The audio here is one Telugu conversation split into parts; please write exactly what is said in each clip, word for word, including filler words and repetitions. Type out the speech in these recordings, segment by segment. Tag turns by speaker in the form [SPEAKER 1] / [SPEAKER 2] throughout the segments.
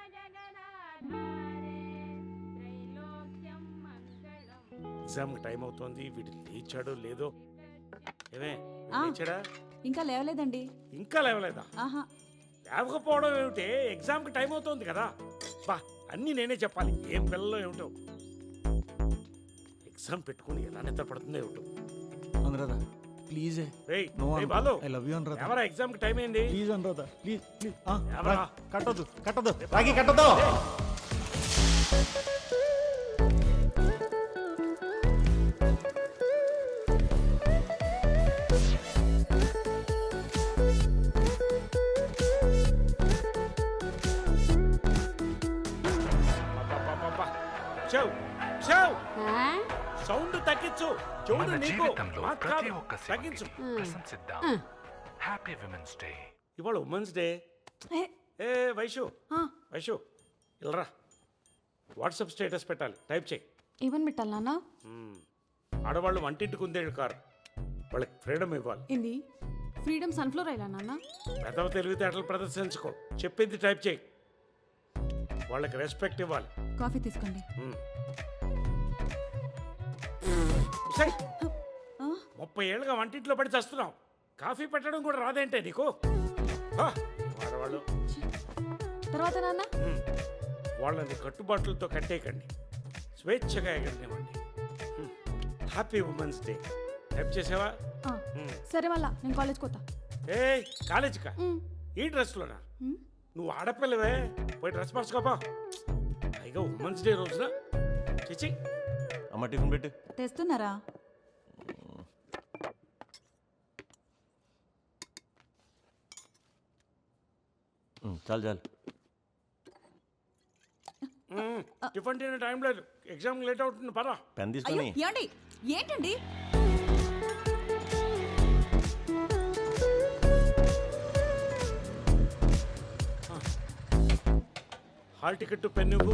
[SPEAKER 1] ఎగ్జామ్ టైం అవుతోంది, వీడు లేచాడో లేదో. ఏమే లేచాడా?
[SPEAKER 2] ఇంకా లేవలేదండి.
[SPEAKER 1] ఇంకా లేవలేదా?
[SPEAKER 2] ఆహా.
[SPEAKER 1] లేవకపోవడం ఏమిటి? ఎగ్జామ్కి టైం అవుతోంది కదా. బా అన్నీ నేనే చెప్పాలి. ఏం పిల్లలో ఏమిటో ఎగ్జామ్ పెట్టుకుని ఎలా నిద్ర పడుతుందో ఏమిటో.
[SPEAKER 3] అనురాధ ప్లీజ్.
[SPEAKER 1] రేయ్ రేయ్ Balu,
[SPEAKER 3] I love you Anuradha.
[SPEAKER 1] ఎవరా ఎగ్జామ్కి టైం ఏంది?
[SPEAKER 3] Please Anuradha please please.
[SPEAKER 1] ఎవరా?
[SPEAKER 3] కట్టదు కట్టదు రాగి కట్టదు.
[SPEAKER 1] సౌండ్ తగ్గించు. చూడు నీకు
[SPEAKER 4] ప్రతి ఒక్క
[SPEAKER 1] తగ్గించు.
[SPEAKER 4] ప్రశంసిద్దాం. Happy women's day.
[SPEAKER 1] ఇవాళ ఉమెన్స్ డే. ఏ వైషు వైషు ఇల్రా, వాట్సాప్ స్టేటస్ పెట్టాలి, టైప్ చేయి.
[SPEAKER 2] ఏమని పెట్టాలి నాన్న?
[SPEAKER 1] ఆడవాళ్ళు వంటింటికి ఉందేడు కారు, వాళ్ళకి ఫ్రీడమ్ ఇవ్వాలి.
[SPEAKER 2] ఏంది ఫ్రీడమ్ సన్ఫ్లవర్ అయినా నాన్న?
[SPEAKER 1] పెదవ తెలివితేటలు ప్రదర్శించుకో, చెప్పింది టైప్ చేయి. వాళ్ళకి రెస్పెక్ట్ ఇవ్వాలి.
[SPEAKER 2] కాఫీ తీసుకోండి.
[SPEAKER 1] ముప్పై ఏళ్ళుగా వంటింట్లో పడి చేస్తున్నావు, కాఫీ పెట్టడం కూడా రాదేంటే నీకు? ఆడవాళ్ళు
[SPEAKER 2] తర్వాత నాన్న
[SPEAKER 1] వాళ్ళని కట్టుబాట్లతో కట్టేయకండి, స్వేచ్ఛగా ఎగరనివ్వండి. హ్యాపీ ఉమెన్స్ డే టైప్ చేసావా?
[SPEAKER 2] సరే వాళ్ళ నేను కాలేజ్కి పోతా.
[SPEAKER 1] ఏ కాలేజీకా? ఈ డ్రెస్లోనా? నువ్వు ఆడపిల్లవే, పోయి డ్రెస్ మార్చుకోపా. పైగా ఉమెన్స్ డే రోజున చిచి.
[SPEAKER 3] అమ్మ టిఫిన్ పెట్టు.
[SPEAKER 2] తెస్తున్నారా?
[SPEAKER 3] చాలు చాలు.
[SPEAKER 1] టిఫిన్ తినే టైం లేదు, ఎగ్జామ్ లేట్ అవుతుంది. పరా
[SPEAKER 3] పెన్ తీసుకొని.
[SPEAKER 2] ఏమండి ఏంటండి?
[SPEAKER 1] హాల్ టికెట్ పెన్ నువ్వు.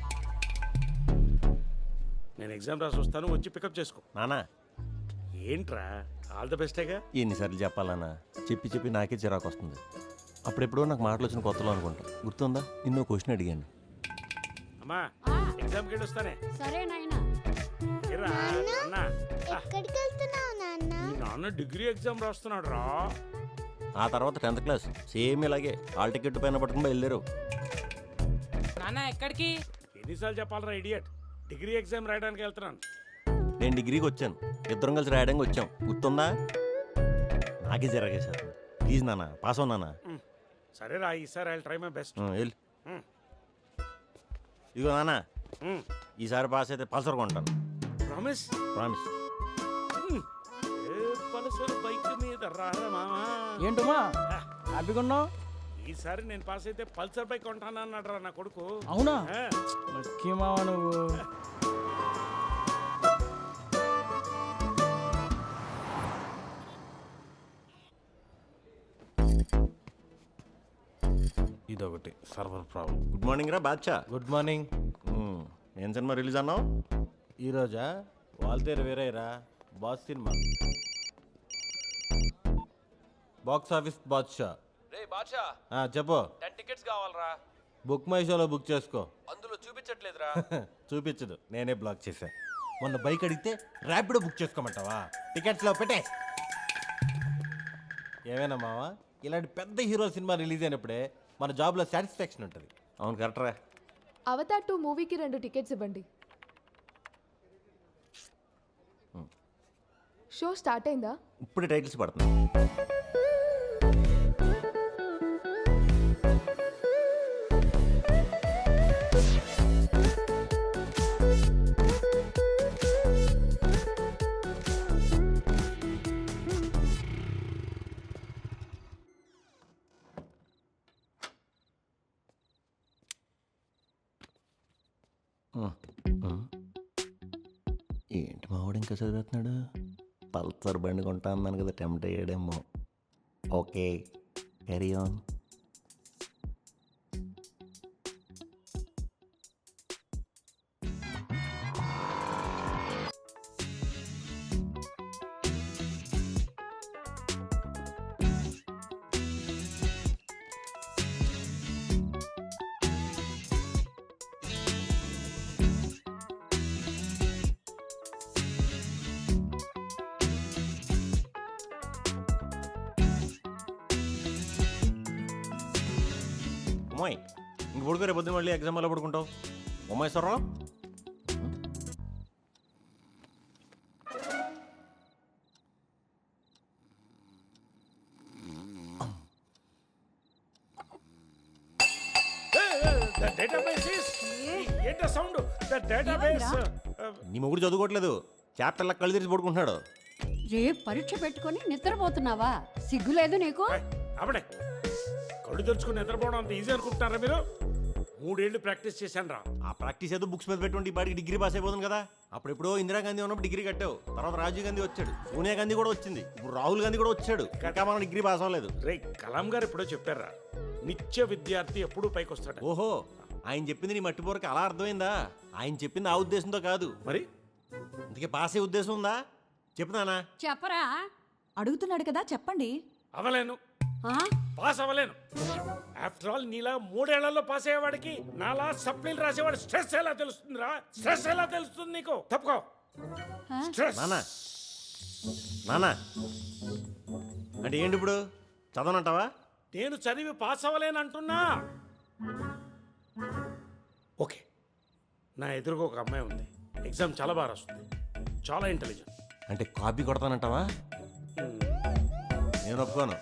[SPEAKER 1] నేను ఎగ్జామ్ రాసి వస్తాను, వచ్చి పికప్ చేసుకో.
[SPEAKER 3] నానా
[SPEAKER 1] ఏంట్రా ఆల్ ద బెస్టేగా?
[SPEAKER 3] ఎన్నిసార్లు చెప్పాలన్నా, చెప్పి చెప్పి నాకే చిరాకు వస్తుంది. అప్పుడెప్పుడో నాకు మాటలు వచ్చిన కొత్తలో అనుకుంటా. గుర్తుందా, నిన్ను క్వశ్చన్ అడిగాను.
[SPEAKER 1] అమ్మా ఎగ్జామ్కి వెళ్ళి వస్తానే.
[SPEAKER 5] సరే నాయనా.
[SPEAKER 6] ఎక్కడికి వెళ్తున్నావు నాన్న?
[SPEAKER 1] మీ నాన్న డిగ్రీ ఎగ్జామ్ రాస్తున్నాడు రా.
[SPEAKER 3] ఆ తర్వాత టెన్త్ క్లాస్ సేమ్ ఇలాగే హాల్ టికెట్ పైన పట్టుకుని బయలుదేరు.
[SPEAKER 7] నాన్న ఎక్కడికి?
[SPEAKER 1] ఎన్నిసార్లు చెప్పాలరా ఇడియట్? డిగ్రీ ఎగ్జామ్ రాయడానికి వెళ్తున్నాను.
[SPEAKER 3] నేను డిగ్రీకి వచ్చాను, ఇద్దరం కలిసి రాయడానికి వచ్చాం. గుర్తుందా? నాకే జరగేశారు. ప్లీజ్ నాన్న పాస్ అవు నాన్న.
[SPEAKER 1] సరే రా, ఈసారి ఐ ట్రై మై బెస్ట్.
[SPEAKER 3] వెళ్ళి ఇదిగో నాన్న, ఈసారి పాస్ అయితే పల్సర్ కొంటాను.
[SPEAKER 1] ప్రామిస్?
[SPEAKER 3] ప్రామిస్.
[SPEAKER 1] పల్సర్ బైక్ మీద రారా మామా.
[SPEAKER 7] ఏంటమ్మా హ్యాపీగా ఉన్నావు?
[SPEAKER 1] ఈసారి నేను పాస్ అయితే పల్సర్ బైక్ కొంటాను అన్నాడు రా నా కొడుకు.
[SPEAKER 7] అవునా? లక్కీ మావా నువ్వు.
[SPEAKER 8] ఇదొకటి సర్వర్ ప్రాబ్లం.
[SPEAKER 3] గుడ్ మార్నింగ్ రా బాద్షా.
[SPEAKER 8] Good morning.
[SPEAKER 3] ఏం సినిమా రిలీజ్ అన్నావు?
[SPEAKER 8] ఈరోజా? వాల్తేరు వేరేరా, boss cinema. Box office Badshah.
[SPEAKER 9] రే బాద్షా,
[SPEAKER 8] చెప్పు.
[SPEAKER 9] టెన్ టికెట్స్ కావాలరా.
[SPEAKER 8] బుక్ మై షోలో బుక్ చేసుకో.
[SPEAKER 9] అందులో చూపించట్లేదురా.
[SPEAKER 8] చూపించదు, నేనే బ్లాక్ చేశా. మొన్న బైక్ అడిగితే ర్యాపిడో బుక్ చేసుకోమంటావా? టికెట్స్లో పెట్టే. ఏమైనా మావా, ఇలాంటి పెద్ద హీరో సినిమా రిలీజ్ అయినప్పుడే మన జాబ్లో సాటిస్ఫాక్షన్ ఉంటుంది.
[SPEAKER 3] అవును కరెక్టరా.
[SPEAKER 5] అవతార్ టూ మూవీకి రెండు టికెట్స్ ఇవ్వండి. షో స్టార్ట్ అయిందా?
[SPEAKER 3] ఇప్పుడు టైటిల్స్ పడుతుంది. ఏంటి మావాడు ఇంకా చదివేస్తున్నాడు? పల్సర్ బండి కొంటా అన్నాను కదా, టెంప్ట్ అయ్యాడేమో. Okay carry on. ఉమ్మాయి ఇంక పడుకో, రేపు పొద్దున్న మళ్ళీ ఎగ్జామ్ వల్ల పడుకుంటావు. ఉమ్మాయిశ్వరరావు
[SPEAKER 1] ద డేటాబేస్ ఇస్ ఏంట సౌండ్ ద డేటాబేస్
[SPEAKER 3] నీ మొగుడు చదువుకోవట్లేదు, చాప్టర్లా కళ్ళు తెరిచి పడుకుంటున్నాడు.
[SPEAKER 10] రేపు పరీక్ష పెట్టుకొని నిద్రపోతున్నావా? సిగ్గులేదు నీకు?
[SPEAKER 1] అప్పుడే కళ్ళు తెరుచుకుని నిద్రపోవడం అంత ఈజీ అనుకుంటున్నారా మీరు? మూడేళ్లు ప్రాక్టీస్ చేశాను రా.
[SPEAKER 3] ఆ ప్రాక్టీస్ ఏదో బుక్స్ మీద పెట్టుకుంటే ఈ బాడికి డిగ్రీ పాస్ అయిపోతుంది కదా. అప్పుడెప్పుడో ఇందిరాగాంధీ ఉన్నప్పుడు డిగ్రీ కట్టావు, తర్వాత రాజీవ్ గాంధీ వచ్చాడు, సోనియా గాంధీ కూడా వచ్చింది, ఇప్పుడు రాహుల్ గాంధీ కూడా వచ్చాడు, ఇంకా మనం డిగ్రీ పాస్ అవ్వలేదు.
[SPEAKER 1] రే కలాం గారు ఎప్పుడో చెప్పారా, నిత్య విద్యార్థి ఎప్పుడూ పైకి వస్తాడు.
[SPEAKER 3] ఓహో, ఆయన చెప్పింది నీ మట్టిపోరకి అలా అర్థమైందా? ఆయన చెప్పింది ఆ ఉద్దేశంతో కాదు.
[SPEAKER 1] మరి
[SPEAKER 3] అందుకే పాస్ అయ్యే ఉద్దేశం ఉందా? చెప్తున్నానా?
[SPEAKER 10] చెప్పరా?
[SPEAKER 2] అడుగుతున్నాడు కదా, చెప్పండి.
[SPEAKER 1] అవలేను,
[SPEAKER 10] ఆ?
[SPEAKER 1] పాస్ అవ్వలేను. ఆఫ్టర్ ఆల్ నీలా మూడేళ్లలో పాస్ అయ్యేవాడికి నాలా సప్లీలు రాసేవాడు స్ట్రెస్ ఎలా తెలుస్తుందిరా? స్ట్రెస్ ఎలా తెలుస్తుంది నీకు? తప్పుకో. స్ట్రెస్.
[SPEAKER 3] నానా నానా అంటే ఏంటి ఇప్పుడు? చదవనంటావా?
[SPEAKER 1] నేను చదివి పాస్ అవ్వలేను అంటున్నా. ఓకే, నా ఎదురుగా ఒక అమ్మాయి ఉంది, ఎగ్జామ్ చాలా బాగా రాస్తుంది, చాలా ఇంటెలిజెంట్.
[SPEAKER 3] అంటే కాపీ కొడతానంటావా? నేను ఒప్పుకోను.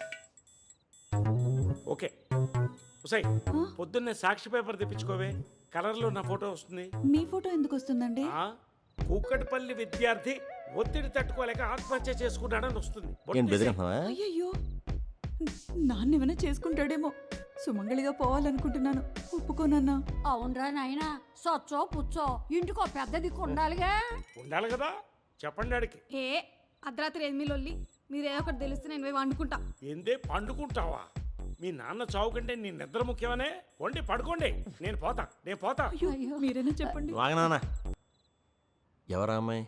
[SPEAKER 1] ఓకే ఉసై, పొద్దున్నే సాక్షి పేపర్ తెప్పించుకోవే, కలర్లో నా ఫోటో వస్తుంది.
[SPEAKER 2] మీ ఫోటో ఎందుకు వస్తుందండి?
[SPEAKER 1] ఆ, కూకట్పల్లి విద్యార్థి ఒత్తిడి తట్టుకోలేక ఆత్మహత్య చేసుకున్నాడని వస్తుంది.
[SPEAKER 3] ఏం బెదిరిస్తున్నావా?
[SPEAKER 2] అయ్యయ్యో, నాన్న ఏమైనా చేసుకుంటాడేమో. సుమంగళిగా పోవాలనుకుంటున్నాను, ఒప్పుకోనన్నా.
[SPEAKER 10] అవునరా నాయనా, సొచ్చో పుచ్చో ఇంటికో పెద్ద దిక్కు ఉండాలిగా.
[SPEAKER 1] ఉండాలి కదా, చెప్పండి ఆడికి.
[SPEAKER 2] ఏ అర్ధరాత్రి ఎనిమిది లొల్లి, మీరు ఏదో ఒకటి తెలిస్తే నేను పోయి వండుకుంటా.
[SPEAKER 1] ఏందే పండుకుంటావా? మీ నాన్న చావు కంటే నీ నిద్ర ముఖ్యమనే. వండి పడుకోండి, నేను పోతా, నేను పోతా.
[SPEAKER 2] అయ్యో, మీరైనా చెప్పండి.
[SPEAKER 3] వాగనానా? ఎవరా అమ్మాయి?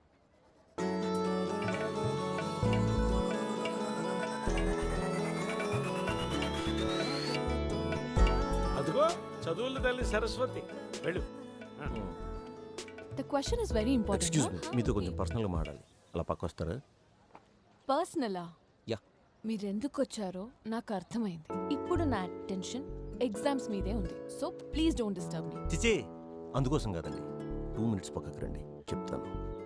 [SPEAKER 1] అదిగో చదువుల తల్లి సరస్వతి, వెళ్ళు. ఆ.
[SPEAKER 5] The question is very
[SPEAKER 3] excuse
[SPEAKER 5] important.
[SPEAKER 3] మీ, మీతో కొంచెం పర్సనల్గా మాట్లాడాలి. అలా పక్క వస్తారా?
[SPEAKER 5] పర్సనలా?
[SPEAKER 3] యా.
[SPEAKER 5] మీరెందుకు వచ్చారో నాకు అర్థమైంది. ఇప్పుడు నా అటెన్షన్ ఎగ్జామ్స్ మీదే ఉంది, so please don't disturb me.
[SPEAKER 3] చిచి, అందుకోసం కాదండి. టూ మినిట్స్ పక్కకు రండి, చెప్తాను.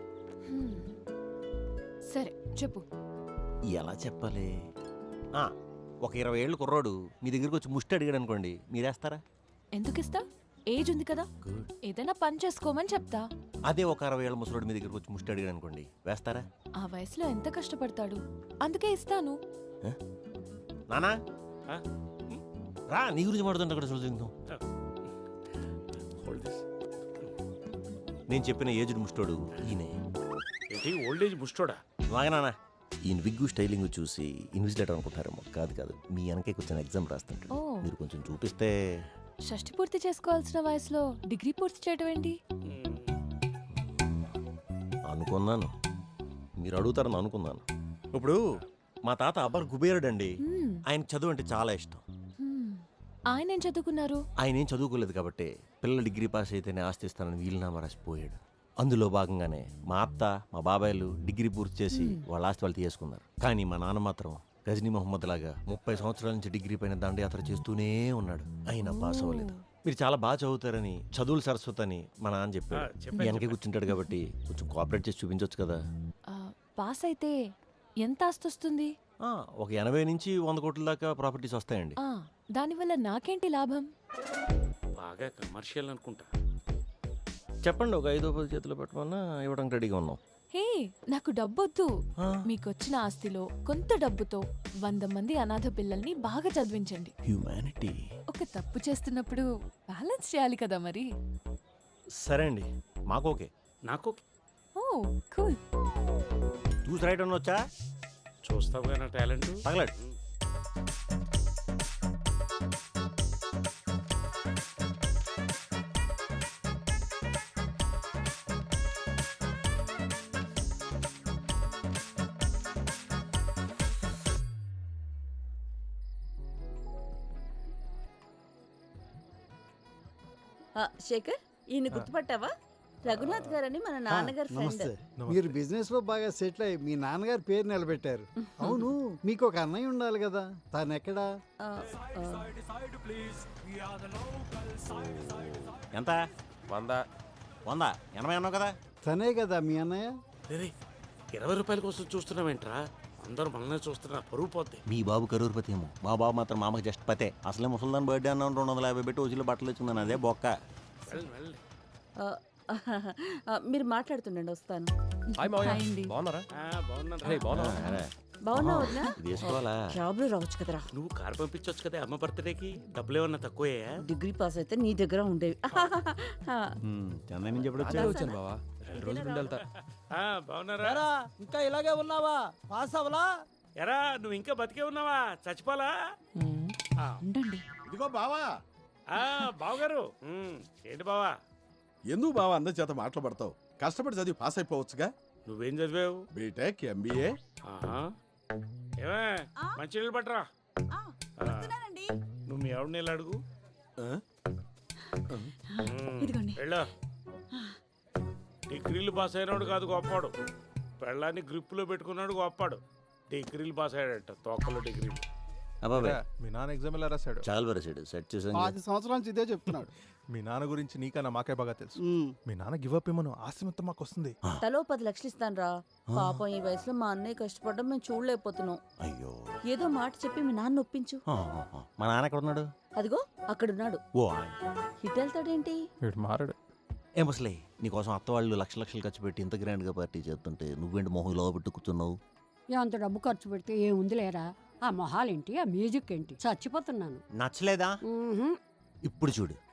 [SPEAKER 5] సరే చెప్పు.
[SPEAKER 3] ఎలా చెప్పాలి? ఆ, ఒక ఇరవై ఏళ్ళు కుర్రాడు మీ దగ్గరికి వచ్చి ముష్టి అడిగాడు అనుకోండి, మీరేస్తారా?
[SPEAKER 5] ఎందుకు ఇస్తా? ఏజ్ ఉంది కదా,
[SPEAKER 3] గుడ్.
[SPEAKER 5] ఏదైనా పని చేసుకోమని చెప్తా.
[SPEAKER 3] అదే ఒక అరవై ఏళ్ళ ముసలోడు మీ దగ్గరికి వచ్చి ముష్టి అడిగాడు అనుకోండి, వేస్తారా?
[SPEAKER 5] ఆ వయసులో ఎంత కష్టపడతాడు, అందుకే ఇస్తాను.
[SPEAKER 3] నానా
[SPEAKER 1] ఆ?
[SPEAKER 3] రా, నీ గురించి మాడుతుంటే అక్కడ చూద్దాం.
[SPEAKER 1] Hold this.
[SPEAKER 3] నేను చెప్పిన ఏజ్డ్ ముష్టోడు ఈయనే.
[SPEAKER 1] ఏంటి ఓల్డ్ ఏజ్ ముష్టోడా?
[SPEAKER 3] వాగనానా, ఈయన విగ్గు స్టైలింగ్ చూసి ఇన్విజిలేటర్ అనుకుంటారేమో. కాదు కాదు, మీ వెనకే కూర్చొని ఎగ్జామ్ రాస్తుంటాడు.
[SPEAKER 5] ఓ.
[SPEAKER 3] మీరు కొంచెం చూపిస్తే.
[SPEAKER 5] షష్టి పూర్తి చేసుకోవాల్సిన వయసులో డిగ్రీ పూర్తి చేయడం ఏంటి?
[SPEAKER 3] అనుకున్నాను మీరు అడుగుతారని అనుకున్నాను. ఇప్పుడు మా తాత అబ్బర్ కుబేరుడు అండి.
[SPEAKER 5] Hmm.
[SPEAKER 3] ఆయన చదువు అంటే చాలా ఇష్టం.
[SPEAKER 5] Hmm. ఆయన ఏం చదువుకున్నారు?
[SPEAKER 3] ఆయన ఏం చదువుకోలేదు కాబట్టి పిల్లలు డిగ్రీ పాస్ అయితేనే ఆస్తి ఇస్తానని వీలునామా రాసిపోయాడు. అందులో భాగంగానే మా అత్త మా బాబాయ్లు డిగ్రీ పూర్తి చేసి వాళ్ళ ఆస్తి వాళ్ళు తీసుకున్నారు. కానీ మా నాన్న మాత్రం గజనీ మహమ్మద్ లాగా ముప్పై సంవత్సరాల నుంచి డిగ్రీ పైన దండయాత్ర చేస్తూనే ఉన్నాడు. అయినా పాస్ అవ్వలేదు. మీరు చాలా బాగా చదువుతారని, చదువులు సరస్వతి అని మా నాన్న చెప్పాడు.
[SPEAKER 1] ఆ, చెప్పాడు,
[SPEAKER 3] వెనకే కూర్చుంటాడు కాబట్టి కొంచెం కోఆపరేట్ చేసి చూపించవచ్చు కదా.
[SPEAKER 5] ఆ, పాస్ అయితే ఎంత ఆస్తి వస్తుంది?
[SPEAKER 3] ఆ, ఒక ఎనభై నుంచి వంద కోట్ల దాకా ప్రాపర్టీస్ వస్తాయండి.
[SPEAKER 5] ఆ, దానివల్ల నాకేంటి లాభం?
[SPEAKER 1] బాగా కమర్షియల్ అనుకుంటా.
[SPEAKER 3] చెప్పండి, ఒక ఐదో పది చేతిలో పెట్టమన్నా ఇవ్వడానికి రెడీగా ఉన్నాం.
[SPEAKER 5] హే, నాకు డబ్బొద్దు.
[SPEAKER 3] ఆ.
[SPEAKER 5] మీకొచ్చిన ఆస్తిలో కొంత డబ్బుతో వంద మంది అనాథ పిల్లల్ని బాగా చదివించండి.
[SPEAKER 3] హ్యూమానిటీ.
[SPEAKER 5] ఒక తప్పు చేస్తున్నప్పుడు బ్యాలెన్స్ చేయాలి కదా మరి.
[SPEAKER 3] సరే అండి, మాకు ఓకే.
[SPEAKER 1] నాకు
[SPEAKER 5] ఓ కూల్.
[SPEAKER 3] చూసి రైట్ అన్న వచ్చా
[SPEAKER 1] చూస్తావుగా నా టాలెంట్.
[SPEAKER 3] తగలడు.
[SPEAKER 11] శేఖర్, ఈయన గుర్తుపట్టావా?
[SPEAKER 10] రఘునాథ్ గారని మన నాన్నగారు ఫ్రెండ్.
[SPEAKER 11] నమస్తే. మీరు బిజినెస్ లో బాగా సెటిల్ అయ్యి మీ నాన్నగారి పేరు నిలబెట్టారు. అవును, మీకు ఒక అన్నయ్య ఉండాలి కదా, తాను ఎక్కడా?
[SPEAKER 10] ఆ, ఆ,
[SPEAKER 3] ఎంత
[SPEAKER 9] వంద.
[SPEAKER 3] వంద ఎనభై అన్నావు కదా.
[SPEAKER 11] తనే కదా మీ అన్నయ్య?
[SPEAKER 1] రేయ్, ఇరవై రూపాయల కోసం చూస్తున్నావేంట్రా? అందరూ మనల్ని చూస్తున్నా, పరువు పోద్ది.
[SPEAKER 3] మీ బాబు కరూరుపతి ఏమో, మా బాబు మాత్రం మామకి జస్ట్ పతే. అసలే ముసల్దాన్ బర్త్డే అన్నాను, రెండు వందల యాభై పెట్టి రోజులు బట్టలు వచ్చిందని అదే బొక్క.
[SPEAKER 1] వెళ్ళు, వెళ్ళు.
[SPEAKER 10] ఆ, ఆ, మీరు మాట్లాడుతుండండి, వస్తాను.
[SPEAKER 9] హాయ్ మావయ్య.
[SPEAKER 10] హాయ్ అండి.
[SPEAKER 9] బాగున్నారా?
[SPEAKER 1] ఆ, బాగున్నాను
[SPEAKER 9] రే
[SPEAKER 1] రా.
[SPEAKER 9] బాగున్నారా?
[SPEAKER 3] అరే,
[SPEAKER 10] బాగున్నావు వదినా?
[SPEAKER 3] ఇది వేసుకోవాలా?
[SPEAKER 10] జాబ్లో రావచ్చు కదరా.
[SPEAKER 1] నువ్వు కారు పంపించవచ్చు కదా అమ్మ బర్త్డేకి. డబ్బులు ఏమన్నా తక్కువయ్యా?
[SPEAKER 10] డిగ్రీ పాస్ అయితే నీ దగ్గర ఉండేవి. ఆ,
[SPEAKER 3] ఉమ్, చెన్నై నుంచి ఎప్పుడు
[SPEAKER 9] అదే
[SPEAKER 3] వచ్చావు?
[SPEAKER 9] వచ్చాను బావా. రెండు రోజులు ఉండి వెళ్తా.
[SPEAKER 1] ఆ, బాగున్నారా?
[SPEAKER 7] ఇంకా ఇలాగే ఉన్నావా? పాస్ అవ్వలా?
[SPEAKER 1] ఎరా, నువ్వు ఇంకా బతికే ఉన్నావా? చచ్చిపోలా? ఆ,
[SPEAKER 10] ఉండండి.
[SPEAKER 12] ఇదిగో బావా,
[SPEAKER 1] ఆ, బావగారు. ఉమ్, ఏంటి బావా?
[SPEAKER 12] ఎందుకు బావా అందరి చేత మాట్లాడతావు? కష్టపడి చదివి పాస్ అయిపోవచ్చుగా.
[SPEAKER 1] నువ్వేం చదివావు?
[SPEAKER 12] BTech, MBA.
[SPEAKER 1] ఆహా. ఏమే, మంచి నీళ్ళు పట్టరా. ఆ, నువ్వు మీ ఆవిడ నీళ్ళు అడుగు. ఉమ్,
[SPEAKER 10] ఇదిగోండి.
[SPEAKER 1] వెళ్ళు. డిగ్రీలు పాస్ అయినాడు కాదు గొప్పాడు, పెళ్ళాన్ని గ్రిప్పులో పెట్టుకున్నాడు గొప్పాడు. డిగ్రీలు పాస్ అయ్యాడట, తొక్కలో డిగ్రీలు.
[SPEAKER 3] అబ్బాబే,
[SPEAKER 12] మీ నాన్న ఎగ్జామ్ ఎలా రాశాడు?
[SPEAKER 3] చాలా వరసాడు సెట్ చేసాను.
[SPEAKER 11] పది సంవత్సరాల నుంచి ఇదే చెప్తున్నాడు.
[SPEAKER 12] మీ నాన్న గురించి నీకన్నా మాకే బాగా తెలుసు. మీ నాన్న గివ్ అప్ ఏమను ఆస్తి మొత్తం మాకు వస్తుంది.
[SPEAKER 10] తలో పది లక్షలు ఇస్తాను రా. పాపం ఈ వయసులో మా అన్నయ్య కష్టపడడం మేము చూడలేకపోతున్నాం.
[SPEAKER 3] అయ్యో,
[SPEAKER 10] ఏదో మాట చెప్పి మీ నాన్న ఒప్పించు.
[SPEAKER 3] ఆ, ఆ, ఆ. మా నాన్న ఎక్కడ ఉన్నాడు?
[SPEAKER 10] అదిగో అక్కడున్నాడు.
[SPEAKER 3] ఓ,
[SPEAKER 10] ఇటు వెళ్తాడేంటి?
[SPEAKER 12] మారాడు.
[SPEAKER 3] ఏ ముసలే, నీకోసం అత్త వాళ్ళు లక్ష లక్షలు ఖర్చు పెట్టి ఇంత గ్రాండ్గా పార్టీ చేస్తుంటే నువ్వేంటి మొహం లో పెట్టి కూర్చున్నావు?
[SPEAKER 10] అంత డబ్బు ఖర్చు పెడితే ఏముంది లేరా? ఆ మొహాలేంటి, ఆ మ్యూజిక్ ఏంటి? చచ్చిపోతున్నాను.
[SPEAKER 3] నచ్చలేదా?
[SPEAKER 10] మ్మ్హ్మ్.
[SPEAKER 3] ఇప్పుడు చూడు,